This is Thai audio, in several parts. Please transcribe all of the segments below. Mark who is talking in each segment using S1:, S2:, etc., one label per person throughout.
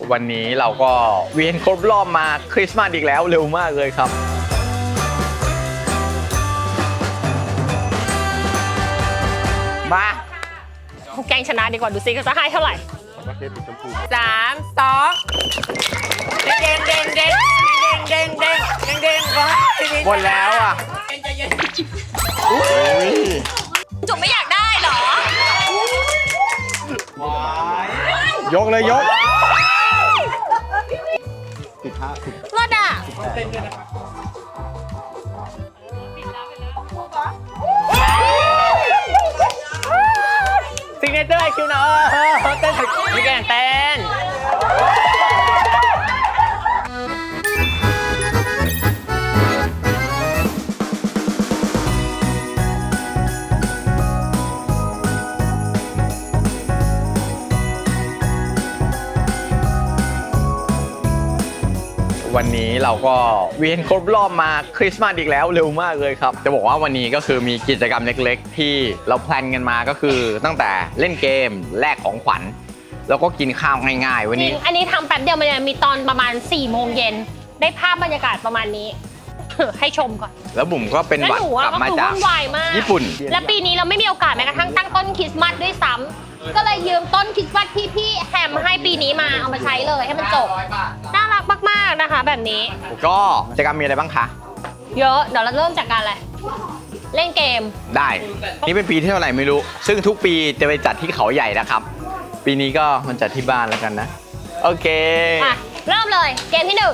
S1: วันนี้เราก็เวียนครบรอบมาคริสต์มาสอีกแล้วเร็วมากเลยครับมา
S2: แกงชนะดีกว่าดูซิเขาจะให้เท่าไหร่3 2เด้งเด้งเด้งเด้งเด้งเด้งเด้งก็
S1: หมดแล้วอ่ะ
S2: จุ๋มไม่อยากได้เหรอย
S1: กเลยยก
S2: รถอ่ะ
S1: ซิกเนเจอร์ไอคิวนะเต้นพี่แกงเต้นวันนี้เราก็เวียนครบรอบมาคริสต์มาสอีกแล้วเร็วมากเลยครับจะบอกว่าวันนี้ก็คือมีกิจกรรมเล็กๆที่เราแพลนกันมาก็คือตั้งแต่เล่นเกมแลกของขวัญแล้วก็กินข้าวง่ายๆวันนี้
S2: อันนี้ทำแป๊บเดียวมันมีตอนประมาณ4 โมงเย็นได้ภาพบรรยากาศประมาณนี้ให้ชมก่อน
S1: แล้วบุ๋มก็เป็นหวัดกลับมาจากญี่ปุ่น
S2: และปีนี้เราไม่มีโอกาสแม้กระทั่งตั้งต้นคริสต์มาสด้วยซ้ำก็เลยยืมต้นคริสต์มาสที่พี่แฮมให้ปีนี้มาเอามาใช้เลยให้มันจบน่ารักมากๆนะคะแบบนี้
S1: ก็กิจกรรมมีอะไรบ้างคะ
S2: เยอะเดี๋ยวเราเริ่มจากการอะไรเล่นเกม
S1: ได้นี่เป็นปีที่เท่าไหร่ไม่รู้ซึ่งทุกปีจะไปจัดที่เขาใหญ่นะครับปีนี้ก็มันจัดที่บ้านแล้วกันนะโอเค
S2: เริ่มเลยเกมที่1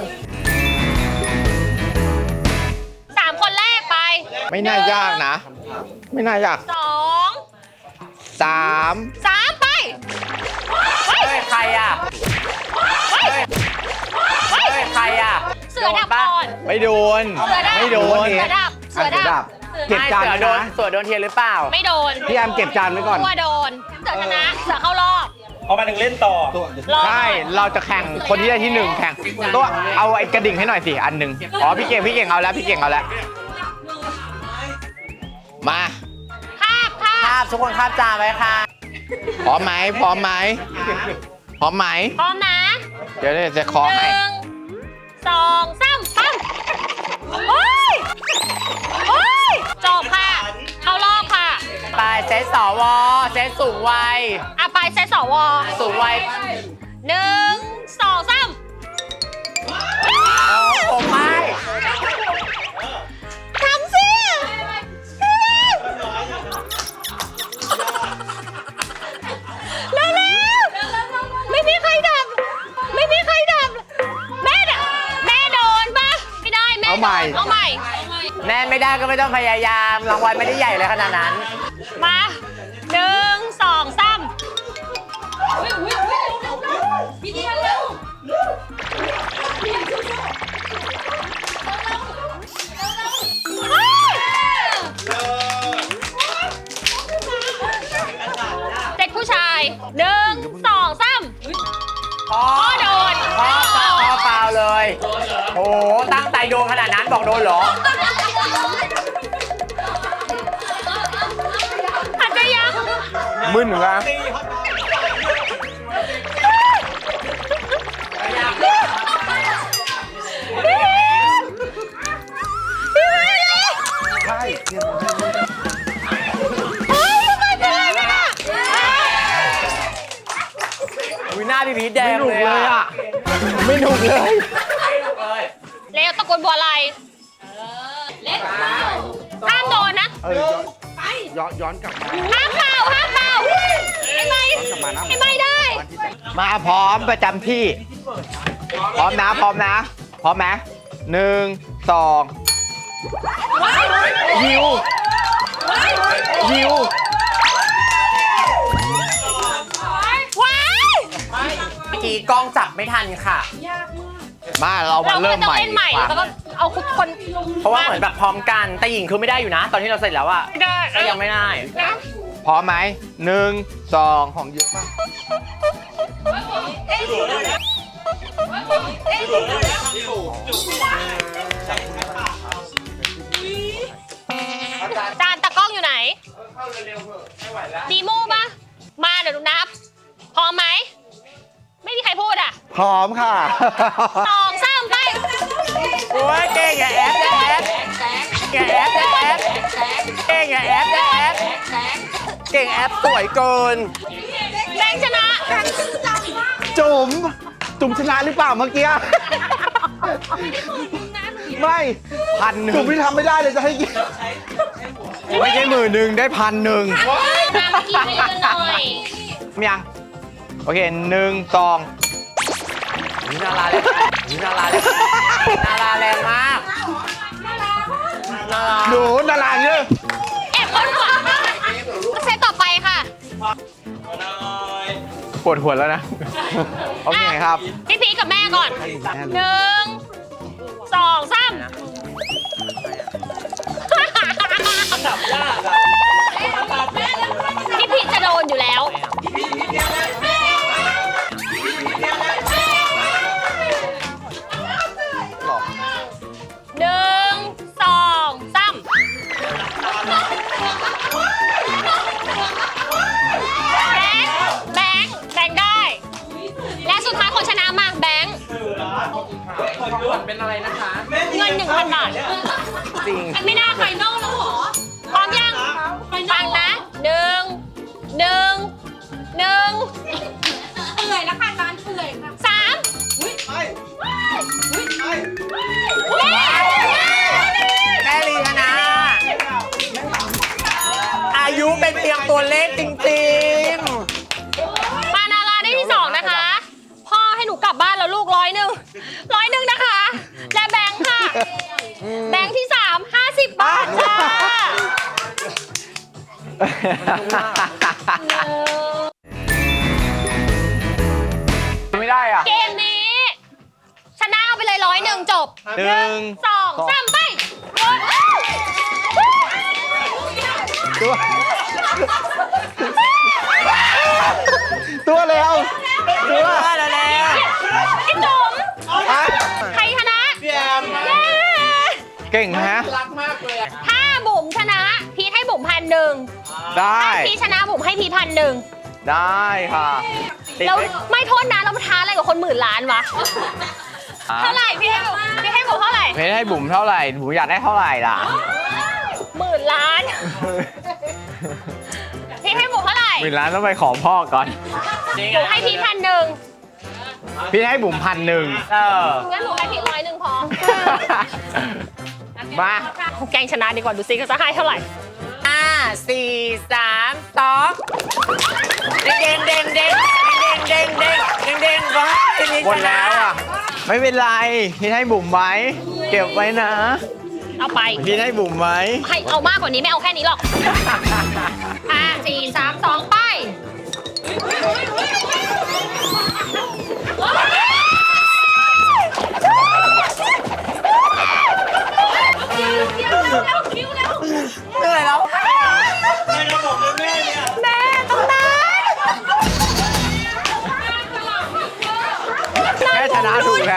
S2: 3 คนแรกไป
S1: ไม่น่ายากนะไม่น่ายาก
S2: 2 3ไป
S1: เฮ้ยใครอ่ะเฮ้ยใครอ่ะ
S2: เสือดับก่อน
S1: ไม่โดนไม่โดน
S2: เสือดับ
S1: เก็บจานนะเสือโดนเทียนหรือเปล่า
S2: ไม่โดน
S1: พี่แอมเก็บจานไว้ก่อน
S2: ตัวโดนเสือชนะเสือเข้ารอบ
S3: พอมาถึงเล่นต่อ
S1: ใช่เราจะแข่งคนที่ได้ที่1แข่งตัวเอาไอ้กระดิ่งให้หน่อยสิอันหนึ่งอ๋อพี่เก่งเอาแล้วพี่เก่งเอาแล้วมา
S2: คาบ
S1: ทุกคนคาบจานไว้ค่ะพร้อมไหมพร้อมนะเดี๋ยวจะขอให้
S2: 1 2 3ปั้มโอ้ยจบค่ะเข้ารอบค่ะ
S1: ไปเซตสวเซตสูงวัย
S2: ไปเซตสว
S1: สูงวัย
S2: 1 2 3
S1: ผมไม่
S2: ทำสิไม่มีใครดับแม่โดนปะไม่ได้แม่เอาใหม่
S1: แม่ไม่ได้ก็ไม่ต้องพยายามรางวัลไม่ได้ใหญ่เลยขนาดนั้น
S2: มา1 2 3พี่เดียวเร็วเด็กผู้ชาย1 2 3
S1: พ่อ
S2: โดน
S1: พ่อเปล่าเลยโอ้ตั้งใจโดนขนาดนั้นบอกโดนเหรอ
S2: อาจจะยัง
S1: มึนเหรอใช่หน้าพี่พีชแดงเลยอ่ะไม่หนุกเลย
S2: เร็วตะโกนบัวอะไรเล็กห้ามโดนนะ
S3: ย้อนกลับมา
S2: ห้ามเป่าไม่ได้
S1: มาพร้อมประจำที่พร้อมนะพร้อมไหม1 2ยิวเมื่อกี้กล้องจับไม่ทันค่ะมาเรามาเริ่มใหม่
S2: แล้วก็เอาคน
S1: เพราะว่าเหมือนแบบพร้อมกันแต่หญิงคือไม่ได้อยู่นะตอนที่เราเสร็จแล้วอะ
S2: ไม่ได้
S1: ก็ยังไม่ได้พร้อมไหม1 2ของเยอะมาก
S2: จานตะกล้องอยู่ไหนดีโม่ปะมาเดี๋ยวดูนับพร้อมไหมไม่มีใครพูดอ่ะ
S4: พร้อมค่ะ
S2: 2 3 ไป
S3: โอ้ยเก่งอย่าแอปอย่าแอปอย่าแอปอย่าแอปเก่งอย่าแอปอย่าแอปเก่งแอปสวยเกิน
S2: แบงค์ชนะ
S4: จุ๋มชนะหรือเปล่าเมื่อกี้ ไม่
S1: 1,000
S4: จุ๋มที่ทำไม่ได้เลยจะให้กิน
S1: ไม่ใช่10,000ได้1,000
S2: มาเมื่อกี้ไปกันหน่อย
S1: มียังโอเค1 2นาราเลยนาราเลยนาราแรงมากนารา
S4: หนูนาราเยอะ
S2: แอบคนหัวเซตต่อไปค่ะ
S1: ปวดหัวแล้วนะ โอเคครับ
S2: พี่พีกับแม่ก่อน 1 2 3พี่พีจะโดนอยู่แล้ว 1 2 3แบงค์ได้ และสุดท้ายคนชนะมาแบงค์เงิน 1,000 บาท
S1: จริง
S2: ไม่น่าไฟนอลแล้วหรอ พร้อมยังฟังนะหนึ่งเหนื่อยแล้วค่ะร้านเหนื่อยค่ะ3
S3: แม่ลีนะอายุเป็นเพียงตัวเลขจริง
S2: มานาราได้ที่ 2 นะคะ พ่อให้หนูกลับบ้านแล้วลูก100นะคะ และแบงค์ค่ะ แบงค์ที่ 3 50 บาทค่ะ
S1: ไม่ได้อ่ะ
S2: เกมนี้ ชนะเอาไปเลย100จบ
S1: 1
S2: 2 3 ไป
S4: ตัวเร็ว
S3: ๆตัวแล้วแล้ว
S2: พี่จุ๋มใครชนะ
S3: พี่แอม
S2: เย้
S1: เก่งฮะ
S2: ถ้าบุ๋มชนะ พีทให้บุ๋ม1,000
S1: ได้
S2: พีทชนะบุ๋มให้พีท1,000
S1: ได้ค่ะติด
S2: แล้ว
S1: ไหม
S2: ไม่โทษนะเราท้าอะไรกับคนหมื่นล้านวะ เท่าไหร่พี่ให้บุ๋มเท่าไหร่
S1: เพชรให้บุ๋มเท่าไหร่บุ๋มอยากได้เท่าไหร่ล่ะ
S2: 10,000 ล้าน พี่ให้บุ๋มเท่าไหร่
S1: 10,000 ล้านต้องไปขอพ่อก่อน
S2: บุ๋มให้พีท1,000
S1: พี่ให้บุ๋ม1,000
S2: งั้นบุ๋มให้พีท100พอ
S1: มา
S2: แกงชนะดีกว่าดูซิเขาจะให้เท่าไหร่
S3: 5 4 3 2เด้งเด้งเด้งเด้งเด้งเด้งเด้งเด้งวะทีนี้
S1: หมดแล้วอ่ะ ไม่เป็นไร พี่ให้บุ๋มไว้ เก็บไว้นะ
S2: เอาไป
S1: พี่ให้บุ๋มไว้
S2: ให้เอามากกว่านี้ไม่เอาแค่นี้หรอก 5 4 3 2 ไป
S3: เหนื่อยแล้ว
S2: แม่ต้องได้
S1: แค่ชนะถูกแล้ว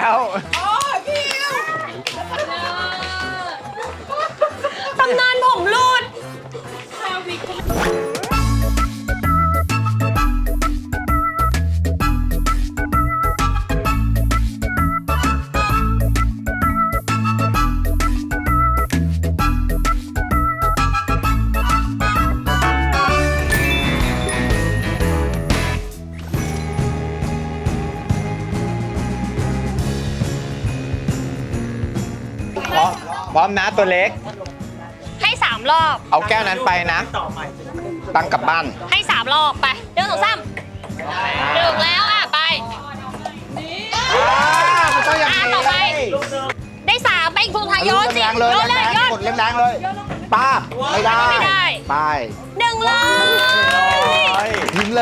S2: ตำนานผมรูด
S1: พร้อมนะตัวเล็ก
S2: ให้3 รอบ
S1: เอาแก้วนั้นไปนะ ตังกลับบ้าน
S2: ให้3 รอบไป1 2 3 1แล้วอ่ะไป
S4: มันต้องอย่างนี้
S2: ต่อไป ได้3ไปอีกทุนทายโยนสิ
S4: แรงๆเลย
S2: โยนเลย
S4: แรง
S2: โยน
S4: ๆกดแรงๆเลยป้าบไม่ได้
S2: ไม่ได้
S4: ไป
S2: 1เลย
S4: ทิ้งเลย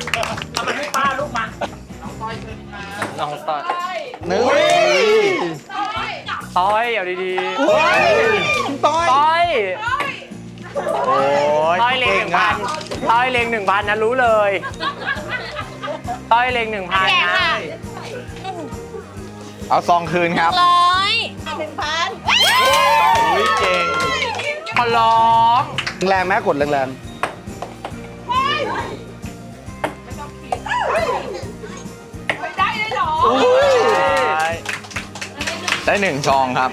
S1: น้องต้อย
S4: นึก
S1: ต้อยเอาดี
S4: โอ้ยคุณต้อย
S3: ต้อย
S1: ๆ โอ้ย
S3: ต้อยเลง
S1: ก่
S3: 1,000ต้อยเลง1,000นะรู้เลยต้อยเลง1,000
S2: แกะ
S3: นะ
S2: ค่ะ
S1: เอาซองคืนครับ
S2: 100
S1: อุ้ยเก่ง
S3: ขอร้อง
S4: แรงไหมกดแรง
S2: 1
S1: ได้หนึ่งซองครับ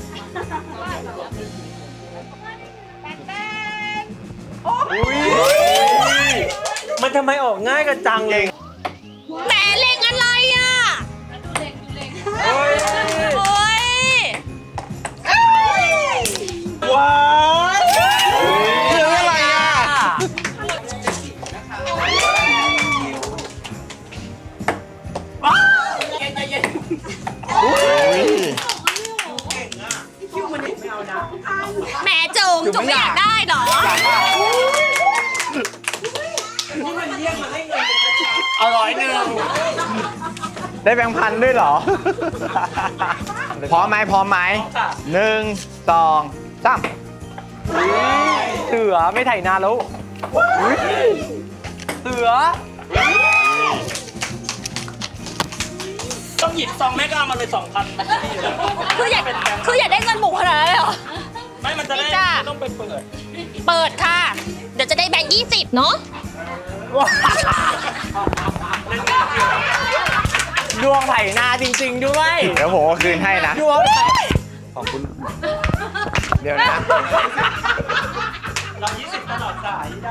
S3: มันทำไมออกง่ายกันจังเลย
S2: แหมเล็งอะไรอ่ะโอ้ย
S4: ว้ายเหลืออะไรอ่ะ
S2: แหมจุ๋มไม่อยากได้เหรอ
S3: เอา101
S1: ได้แบงค์พันด้วยเหรอ พร้อมไหมพร้อมไหมหนึ่งสองสาม
S3: เสือไม่ไถนาแล้วเสือต้องหยิบซองแม่ก็เอามาเลย2,000
S2: คืออยากได้เงินหมูขนาดนั้นเลยเหรอ
S3: ไม่มันจะได้
S2: นี่จ้ะ
S3: ไม่ต้องไปเปิด
S2: เปิดค่ะ เดี๋ยวจะได้แบงค์20เนาะ
S3: ดวงไถนาจริงๆด้วย
S1: เดี๋ยวผมเอาคืนให้นะ
S3: ดวงไถ
S1: ขอบคุณ เดี๋ยวนะ
S3: เรา20ตลอดสายเจ้า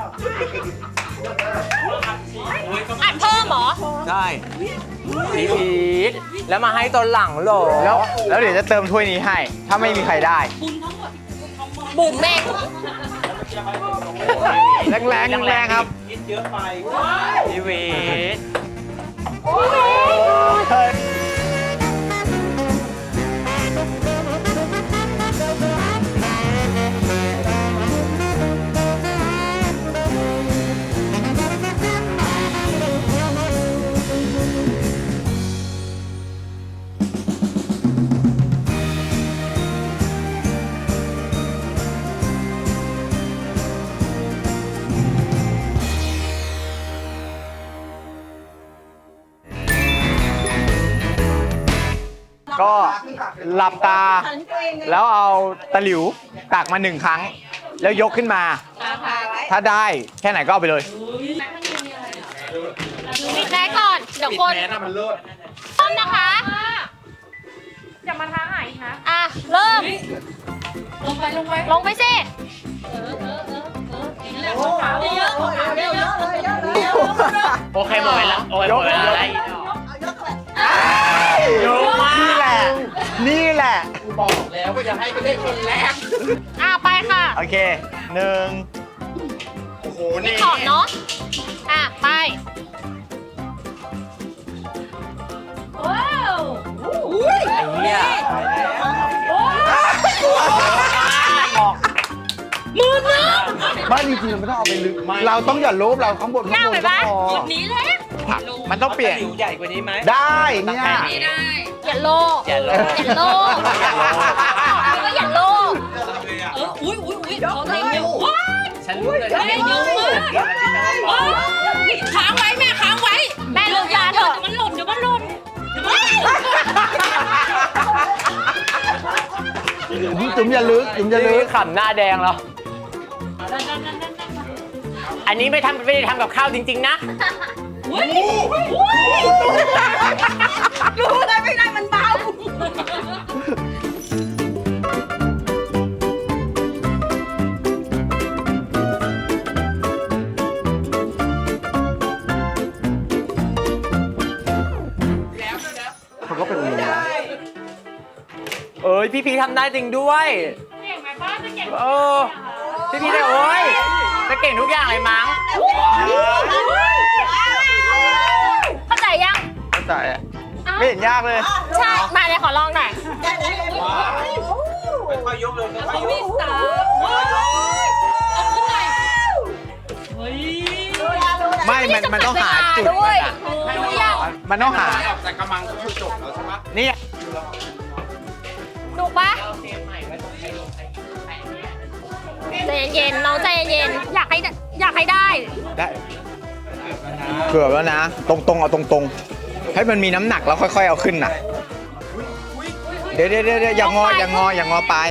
S2: อัดเพิ่มเหรอ
S3: ใช่พีทแล้วมาให้ตอนหลังเหรอ
S1: แล้วเดี๋ยวจะเติมถ้วยนี้ให้ ถ้าไม่มีใครได้
S2: บุ๋มเอง
S1: แรงครับ
S3: พีวีท
S1: ก็หลับตา แล้วเอาตะหลิวตักมา1 ครั้ง แล้วยกขึ้นมา ถ้าได้แค่ไหนก็เอาไปเลย
S2: ปิดแม่ก่อน เดี๋ยวคนพร้อมนะคะอย่ามาท้าหายอีกนะ อ่ะ เริ่ม ลงไปสิ
S3: โอเคหมดเวลาโอ้ยหมดเวลาอะไร
S1: ยกมานี่แหละ นี่แหละ
S2: อ่ะ ไปค่ะ
S1: โอเคหนึ่ง
S2: นี่ขอบเนาะ อ่ะ ไป ว้าว
S3: ไอ้เนี่ย
S2: มือนึง
S4: บ้านจริงๆเราไม่ต้องเอาไปลึก เราต้องอย่าโลภเราข้างบน
S2: หน้า
S4: ข้างบ
S2: ไป
S4: นก็
S2: ปะ
S4: พอ
S2: นี้เลย
S1: มันต้องเปลี่ยน
S3: หลิวใหญ่กว่านี้ไหม
S4: ได้เนี่ย
S2: อย่าโลภ
S3: อย่าโลภ
S2: อย่าโลภก็อย่าโลภอุ้ยเขาเล่นเยอะว้าย
S3: ฉันรู้เลย
S2: เล่นเยอะมากว้ายค้างไว้แม่ค้างไว้ แม่เลิกยาเถอะมันหล่นเดี๋ยวมันหล่น
S4: จุ๋มอย่าลึกจุ๋มอย่าลึ
S3: นี่
S4: ก
S3: ขำหน้าแดงแล้ว อันนี้ไม่ได้ทำกับข้าวจริงๆนะ
S2: รู้ได้ไม่ได้มันเบา
S4: เขาก็เป็นอย่างนี้นะ
S3: เอ้ยพี่พีทำได้จริงด้วย
S2: เก่งไหมป้าจะเก่ง
S3: เออพี่พีได้โอ้ยจะเก่งทุกอย่างเลยมั้ง
S2: เข้าใจยัง
S1: เข้าใจอะไม่เห็นยากเลย
S2: ใช่ มาเลยขอลองหน่อย
S3: ค่อยๆยกเลยค่อยๆยก
S1: ไม่ มันต้องหาจุด
S2: ด้วย
S1: มัน
S2: ดูยัง
S1: อะมันต้องหา
S5: แต่กำลังก็คือจบแล้วใช่ไหม
S1: นี่
S2: ดูปะใจเย็นๆน้องใจเย็นๆอยากให้ได้
S1: ได้เกือบแล้วนะ ตรงๆเอาตรงๆ ให้มันมีน้ำหนักแล้วค่อยๆเอาขึ้นน่ะ เดี๋ยวอย่างงอปลาย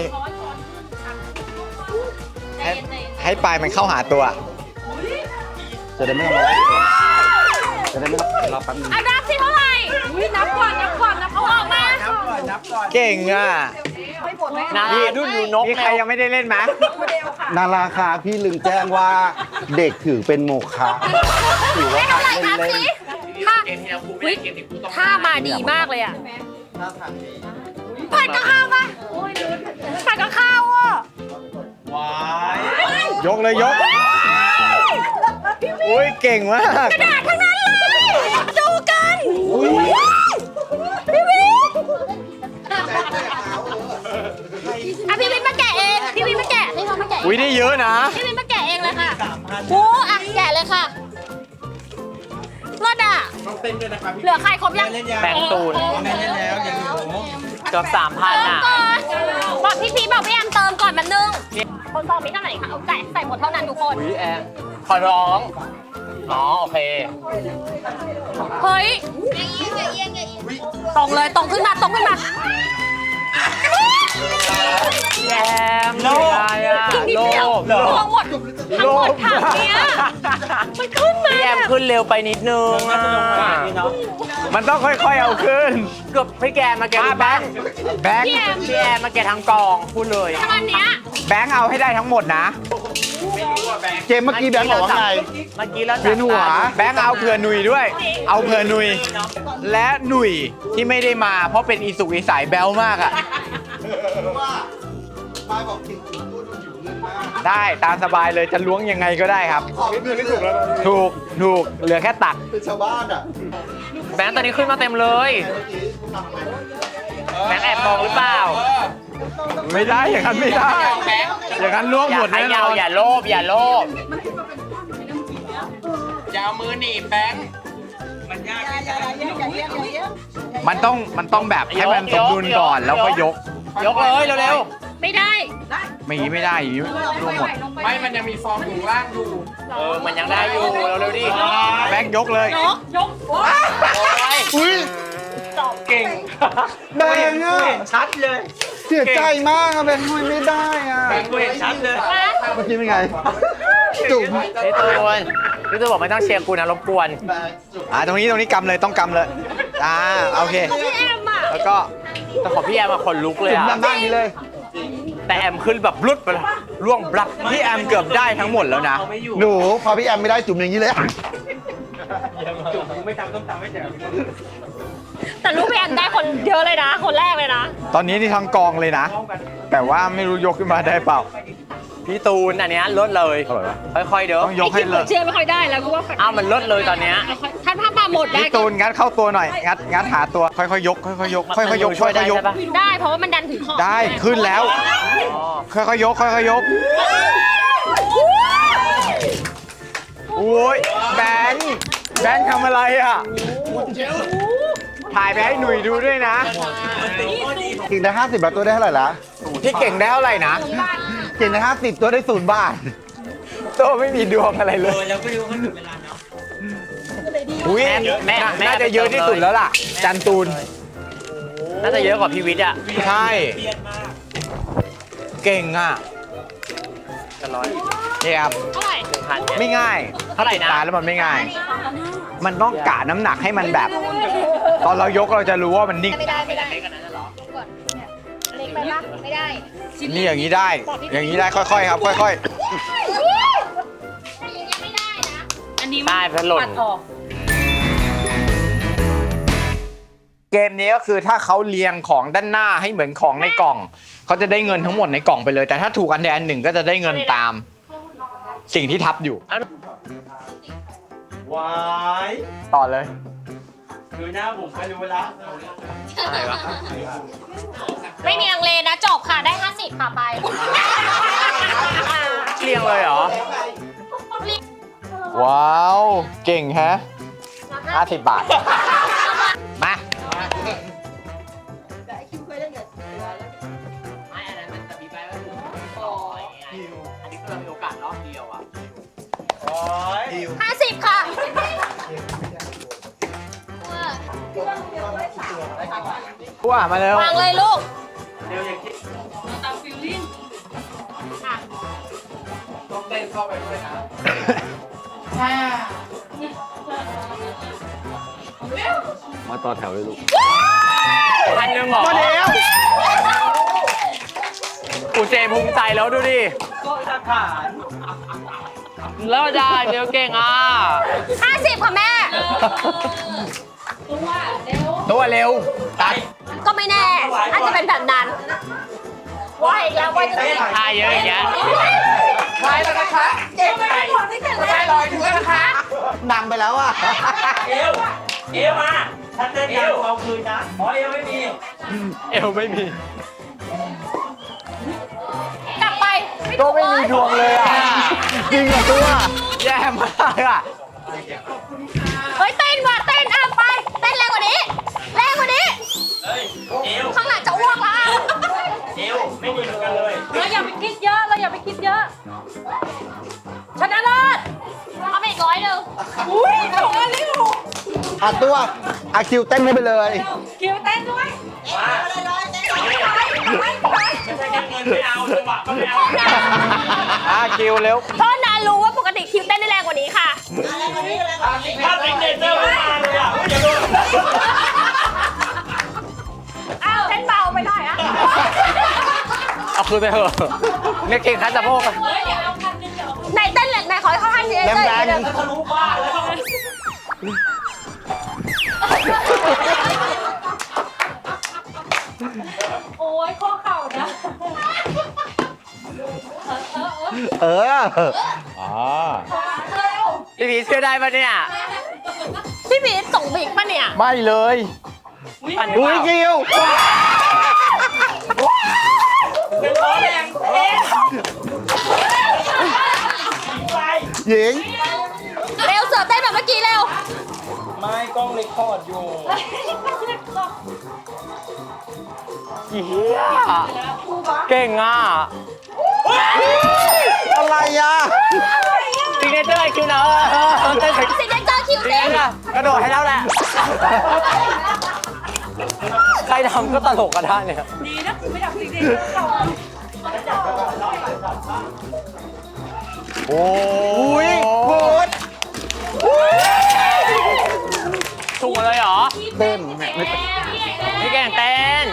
S1: ให้ปลายมันเข้าหาตัว
S4: จะได้ไม่ต้องมาไล่จะได้ไม่ต้องรอแป๊บนึง
S2: อันดับที่เท่าไหร่นับก่อนเอาออกมา
S1: เก่งอ่ะ
S3: นาราดุนดูนก
S1: มีใครยังไม่ได้เล่นไหม
S4: นาราคาพี่ลึงแจ้งว่าเด็กถือเป็นโมฆะถือว่า
S2: ไม่เท่าไหร่ครับ
S4: เล่น
S2: พี่ถ้ามาดีมากเลยอ่ะผัดกับข้าวปะผัดกับข้าวอ่ะ
S1: ยกเลยยกอุ้ยเก่งมาก
S2: กระดาษทั้งนั้นเลยดูกันพี่วินพี่วินมาแกะเองพี่วินมาแกะนี่เขามาแกะ
S1: อุ้ยได้เยอะนะ
S2: พี่วินมาแกะเองเลยค่ะโอ้อ่ะแกะเลยค่ะรอดอ่ะ
S5: ต้องเต้นด้วยนะครับพี่
S2: เหลือใครครบยัง
S3: แบงค์ตูน
S5: แม่เล่นแล้วอย่าลืม
S3: เกือบ3,000 อ่ะ
S2: ก่อนบอกพี่พีบอกพี่แอมเติมก่อนมันนึงคนซองมีเท่าไหร่คะเอาใส่หมดเท่านั้นทุกคน
S3: อุ้ยแอมขอร้องอ๋อโอเค
S2: เฮ้ยตรงเลยตรงขึ้นมา
S3: แอมโลภอะไรอ่ะ
S2: อีกนิด
S3: โล
S2: เดียว
S3: ภ
S2: ลงหมดทั้งหมดถังเนี้ยมันขึ้นมา
S3: พี่แอมขึ้นเร็วไปนิดนึงอ่ะ
S1: มันต้องค่อยๆเอาขึ้น
S3: เกือบพี่แกมาแก
S1: แบงค์แบงค์
S2: พี่แอม
S3: พี่แอมมาแกทั้งกองพูดเลย
S2: ถ้าวันเนี้ย
S1: แบงค์เอาให้ได้ทั้งหมดนะ
S4: เกมเมื่อกี้แบงค์บอกว่าไง
S3: เมื่อกี้แล้ว
S4: เวียนหัว
S1: แบงค์เอาเผื่อหนุยด้วย เอาเผื่อหนุย และหนุยที่ไม่ได้มา เพราะเป็นอีสุกอีสายแบลมากอ่ะได้ตามสบายเลยจะล้วงยังไงก็ได้ครับ ถูกเหลือแค่ตัก
S4: เป็นชาวบ้านอ่ะ
S3: แบงค์ตอนนี้ขึ้นมาเต็มเลยแบงค์แอบมองหรือเปล่า
S1: ไม่ได้อย่างนั้นไม่ได้ อย่างนั้นล้วง
S3: อย่า
S1: หมด
S3: ข
S1: แน่น
S3: ยา
S1: อ
S3: วน อย่าโลภอย่าโลภ
S5: อย่าเอามือหนีบแบงค์มันยากที่จะ
S1: มันต้องแบบให้มันสมดุลก่อนแล้วก็ยก
S3: ยกเลยเร็ว
S2: ไม่ได้
S1: ไม่งี้ไม่ได้อย่างงี้ร่วงหมด
S5: ไม่มันยังมีฟองอยู่ล่างอยู่
S3: มันยังได้อยู่เร็วๆดิ
S1: แบงค์ยกเลย
S2: ยก
S3: โอ้ย
S4: อุ้ย
S3: เก่ง
S4: แบงค์อ่ะ
S3: ชัดเลย
S4: เสียใจมากอะแบงค์ทำไมไม่ได้อ่ะ
S3: แบงค์กูเห็นชัดเลย
S4: เมื่อกี้เป็นไง จุ๋ม
S3: พี่ตูนพี่ตูนบอกไม่ต้องเชียร์กูนะรบกวน
S1: ตรงนี้กำเลยต้องกำเลยโอเค
S2: พี่แอมอ่ะ
S1: แล้วก็
S3: แต่ของพี่แอมมาคนลุกเลย
S4: จุ๋ม
S3: อะ
S4: ทำได้อย่างนี้เลย
S3: แต่แอมขึ้นแบบรุดไปเลยล่วงบลับ
S1: พี่แอมเกือบได้ทั้งหมดแล้วนะ
S4: หนูพอพี่แอมไม่ได้จุ๋มอย่างนี้เลย
S2: แต่ลูกพี่แอมได้คนเยอะเลยนะ คนแรกเลยนะ
S1: ตอนนี้นี่ทั้งกองเลยนะ แต่ว่าไม่รู้ยกขึ้นมาได้เปล่า
S3: พี่ตูนอันเนี้ยลดเลย
S1: อร่อยปะ
S3: ค่อยๆเด้อ
S1: ต้องยกให้เลย
S2: เชื่อไม่ค่อยได้แล้วกูว่า
S3: อ้าวมันลดเลยตอนเนี้ย
S2: ท่านภาพมาหมดได้
S1: พี่ตูนงัดเข้าตัวหน่อยงัดหาตัวค่อยๆยกค่อยๆยกค่อยๆยก
S3: ช่วยได้
S1: ค่อยๆยก
S3: ใช่ปะ
S2: ได้เพราะว่ามันดันถึงขอบ
S1: ได้ขึ้นแล้ว
S3: อ๋อ
S1: ค่อยๆยกค่อยๆยกโอ้ยแบงค์ทำอะไรอ่ะถ่ายไปให้หนุ่ยดูด้วยนะ
S4: เก่งได้50แล้วตัวได้เท่าไหร่ละ
S1: พี่เก่งได้เท่าไหร่นะ
S4: เก่งได้50ตัวได้0 บาท
S1: โตไม่มีดวงอะไรเลยอุ้ย
S3: แม่
S1: น่าจะเยอะที่สุดแล้วล่ะ จันตูน
S3: น่าจะเยอะกว่าพี่วิทย์อ่ะ
S1: ใช่ เก่งอ่ะ
S3: จะร้อย
S1: เนี่ยครับ
S2: เท่าไหร่
S3: 1,000
S1: ไม่ง่าย
S3: เท่าไหร่นะ
S1: ตายแล้วมันไม่ง่าย มันต้องกะน้ำหนักให้มันแบบ ตอนเรายกเราจะรู้ว่ามันนิ่ง
S2: ไม่ได้เล็กไปปะไม่ได้
S1: นี่อย่างนี้ได้ อย่างนี้ได้ค่อยๆครับ ค่อย
S2: อันนี้
S3: ได้พัดหล่น
S1: ๆ เกมนี้ก็คือถ้าเขาเรียงของด้านหน้าให้เหมือนของในกล่อง เขาจะได้เงินทั้งหมดในกล่องไปเลย แต่ถ้าถูกอันใดอันหนึ่งก็จะได้เงินตาม สิ่งที่ทับอยู่
S5: วาย
S1: ต่อเลย
S5: ดูหน้าผมก็รู้แล้ว
S3: อะไรวะ
S2: ไม่มีลังเลนะจบค่ะได้50ค่ะไป
S3: เรียงเลยเหรอ
S1: ว้าว เก่งแฮะ50 บาท มา
S2: 50 ค่ะ
S1: ว่ามาเร็ว
S2: วางเลยลูก
S5: ต้องเต้นเข้าไปด้วยนะ
S1: มา
S3: ต่อแถวเลยลูก
S1: พันหนึ่งเหรอ
S3: มาแล้วอูเจภูมิใจแล้วดูดิ แล้วได้เดี๋ยวเก่งอ่ะ
S2: 50 ค่ะแม่
S1: ตัวเร็วตัด
S2: ก็ไม่แน่ อาจจะเป็นแบบนั้นว่าอีกแล้วว่าจะเป็น
S3: ท่าเยอะอย่างเงี้ย
S5: ไปแล้วนะคะเก่งไปไปลอยถึงแล้วนะคะ
S4: นำไปแล้วอ่ะ
S5: เอวเอวมาถ้าเต้นยังเอาคืนนะอ๋อเอวไม่มี
S3: เอวไม่มี
S2: กลับไป
S3: ก็ไม่มีดวงเลยอ่ะ จริงเหรอตัวแย่มากอ่ะ
S2: เฮ้ยเต้นว่ะเต้นอ่ะไป เต้นแรงกว่านี้ แรงกว่านี้
S5: เฮ้ยเอว
S2: ข้างหลังจะอ้วกแล้วอ่ะ
S5: เอวไม่มีเหมือนกันเลย
S2: เราอย่าไปคิดเยอะ เราอย่าไปคิดเยอะ ชนะเลิศเอาไปอีก100หนึ่งอุ้ยถูกอันนี้ถูก
S4: อ่ะตัวอาคิวเต้นให้ไปเลย
S2: คิวเต้นด้วย
S5: มาไม่ใช่แค่เงินไม่เอาจังหวะก็ไม่เอา
S3: คิวเร็ว
S2: โทษนะรู้ว่าปกติคิวเต้นได้แรงกว่านี้ค่ะ
S5: ถ้าติ๊กเนเจอร์ไม่มาเลยอ่ะอย่าโดน
S2: อ้าวเต้นเบาไปหน่อยอ่ะ
S3: เอาคืนไปเถอะเนี่ยเก่งคัดสะโพกอะ
S2: ไหนเต้นแรงไหนขอให้เขาให้ที
S4: แรงๆ
S2: เลย
S5: ทะลุบ้านแล้ว
S2: โอ้ยข้อเข่านะ
S4: เออ
S3: พี่พีเชื่อได้ปะเนี่ย
S2: พี่พีทส่งบิ๊กปะเนี่ย
S3: ไม่เลย
S4: อุ้ยคิว
S5: เป็นล้อแรงเอ๊ะไป
S4: หญิง
S2: เร็วเสือเต้นแบบเมื่อกี้เร็ว
S5: ไม่กล้องเรคคอร์ดอยู่
S3: เฮียเก่งอ่ะ
S4: อะไรอ่ะ
S3: ซิกเนเจอร์คิวนะเต้น
S2: สิเดนเจอร์คิว
S3: เต้
S2: เต้
S3: น
S2: น
S3: อะกระโดดให้แล้วแหละ ใครทำก็ตลกกันได้เนี่ย
S4: โอ้ยโคตร
S3: ถูกเลยเหรอ
S4: เต้นไม่
S3: พี่แก่งเต้น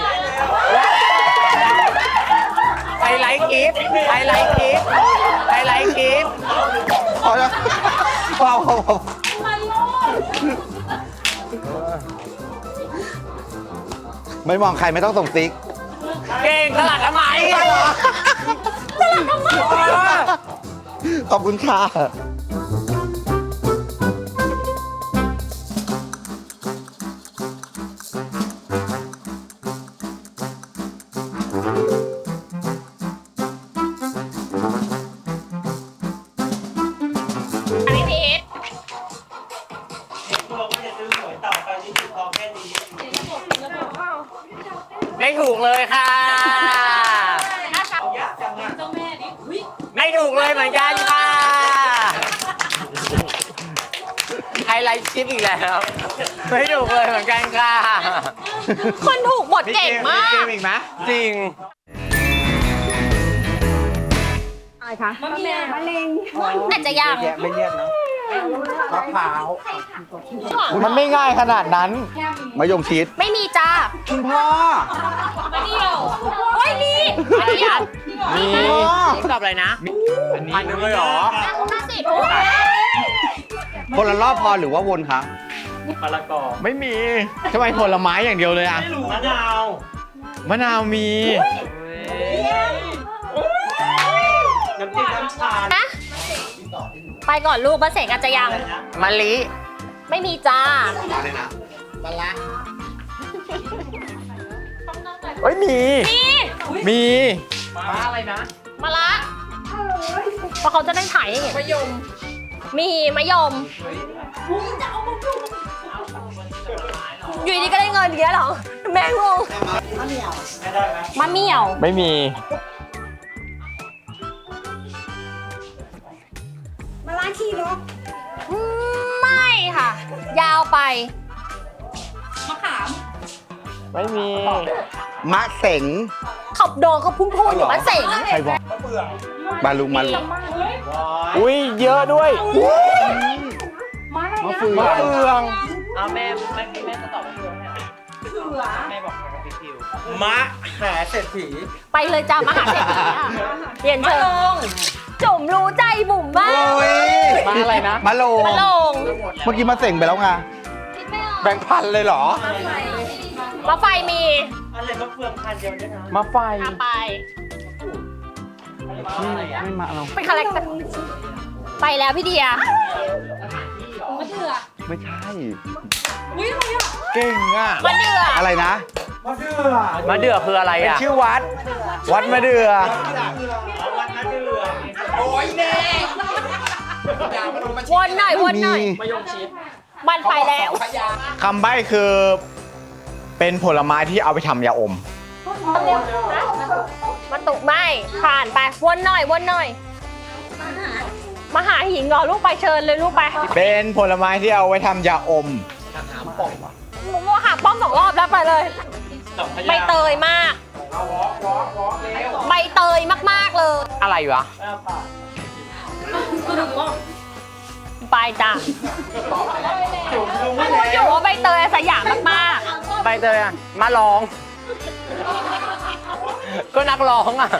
S3: ไฮไลท์คลิปไฮไลท์คลิปไฮไลท์คลิป
S4: พอแล้วพอไม่มองใครไม่ต้องส่งซิก
S3: เก่งตลาดทำไม
S4: ขอบคุณค่ะ
S2: อันนี้พีท
S5: ตัวก็จะซื้อหวยต่อไปนี่คือพอแค่นี้
S3: ไม่ถูกเลยค่ะ
S5: ยากจังอ่ะ
S3: ไม่ถูกเลยเหมือนกันค่ะ ไฮไลท์คลิปอีกแล้ว ไม่ถูกเลยเหมือนกันค่ะ
S2: คนถูกบทเก่งมาก
S1: เกมอีกไหม
S3: จริง
S2: อะไรคะมะเร็งน่าจะยัง
S4: ไม่เรียกนะมะพร้าว
S1: มันไม่ง่ายขนาดนั้น
S4: มะยงชิด
S2: ไม่มีจ้า
S4: คุณพ่อ
S2: มะเดียวโอ้ยมีมะเดียว
S3: มี
S4: อ๋อ
S3: นี่ตอบอะไรนะพันหนึ่งเลยเหรอ
S2: 50
S4: คนละรอบพอหรือว่าวนคะ
S5: มะละกอ
S1: ไม่มีทำไมผลไม้อย่างเดียวเลยอะ
S5: มะนาว
S1: มะนาวมี
S5: น้ำจิ้มน้ำชา
S2: นะไปก่อนลูกมะเสงอาจจะยัง
S3: มะลิ
S2: ไม่มีจ้า
S1: เฮ้ยมี
S2: มี
S1: มี
S5: ม้าอะไรนะ
S2: มะละเพราะเขาจะได้ถ่ายให้เห็นมะยม มีมะยม อยู่ดีก็ได้เงินเยอะเหรอ แม่งง
S5: ไม่ได้ไหม
S2: มะเหมี่ยว
S1: ไม่มี
S2: ไม่ค่ะ ยาวไป
S1: ไม่มี
S4: มะเสง
S2: เขาโดนเขาพุ่งอยู่มะเสง
S4: ใครบอกมาลุงมาลุง
S1: อุ้ยเยอะด้วย
S4: มะเฟือง
S1: มะเฟือง
S3: เอาแม่จะตอบมะเฟืองให้มะหาเศรษฐี
S2: ไปเลยจ้ามหาเศรษฐีอ่ะเปลี่ยนเชิงจุ่มรู้ใจบุ๋มบ้าง
S4: โอ้ย
S3: มาอะไรนะ
S4: มาโล
S2: มาลง
S4: เมื่อกี้มาเส่งไปแล้วไง
S3: แบงค์พันเลยเหรอ
S2: มาไฟมี
S5: อะไรมะเฟืองพันเดียวเนี่ยนะ
S3: มาไฟ
S2: เอาไป
S4: ไม่มาเรา
S2: เป็นคาแรคเตอร์ไปแล้วพี่เดีย
S4: ไม่ใช่
S3: เก่งอ่ะ
S2: มาเดือ
S4: อะไรนะ
S3: มะเดื่อคืออะไรอ่ะชื่อวัด วัดมะเดื่อ
S5: วันนั้นเดือ
S2: วนหน่อยวนหน่อย
S4: มี
S2: มันไปแล้ว
S1: คำใบ้คือ เป็นผลไม้ที่เอาไปทำยาอม
S2: มาตุกไม่ผ่านไปวนหน่อยวนหน่อยมาหาหิงเหรอลูกไปเชิญเลยลูกไป
S1: เป็นผลไม้ที่เอาไว้ทำยาอม
S2: หมูหาป้อม2 รอบแล้วไปเลย ใบเตยมาก ใบเตยมากๆเลย
S3: อะไรวะ
S2: ไปจ้ะพูดอยู่ว่าใบเตยสยามมาก
S3: ใบเตยอ่ะ มาร้อง ก็นักร้องอ่ะ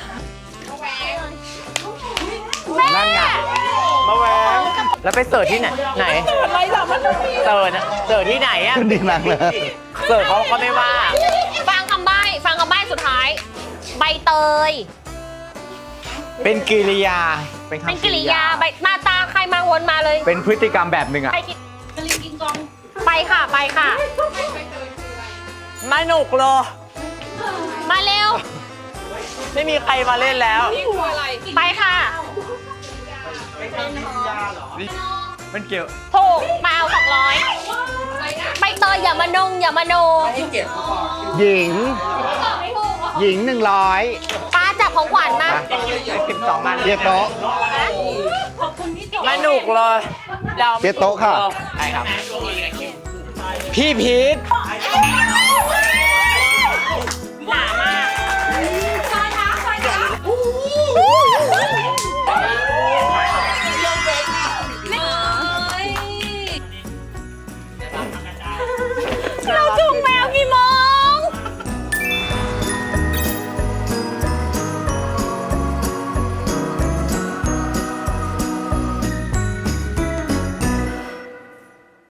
S2: ๆแม่
S3: นั่นไง มาแหวงแล้วไปเสิร์ชที่ไหน ไหน
S2: อะไรหรอมัน
S3: เสิร์ชที่ไหนอ่ะ
S4: ดีนังเลย
S3: เสิร์ชเขาก็ไม่ว่า
S2: ฟังคำใบ้สุดท้าย ใบเตย
S1: เป็นกิริยา
S2: เป็นกิริยาใบมาตาใครมาวนมาเลย
S1: เป็นพฤติกรรมแบบหนึ่งอะ
S2: ไปกินไปค่ะไปค่ะ
S3: มาหนุกเลย
S2: มาเร็ว
S3: ไม่มีใครมาเล่นแล้ว
S2: ไปค่ะ
S1: มันเกี่ยว
S2: ถูกมาเอา200ใบเตยอย่ามาอย่ามาโน
S4: หญิง หญิง100
S2: ป้าจับของขวัญมา
S3: 12 มัน
S4: เรียกโต๊ะ
S3: มาหนุกเลยดาว
S4: เปียโต๊ะค่ะ
S3: ใช่ครับ
S1: พี่พีท
S2: หนามาก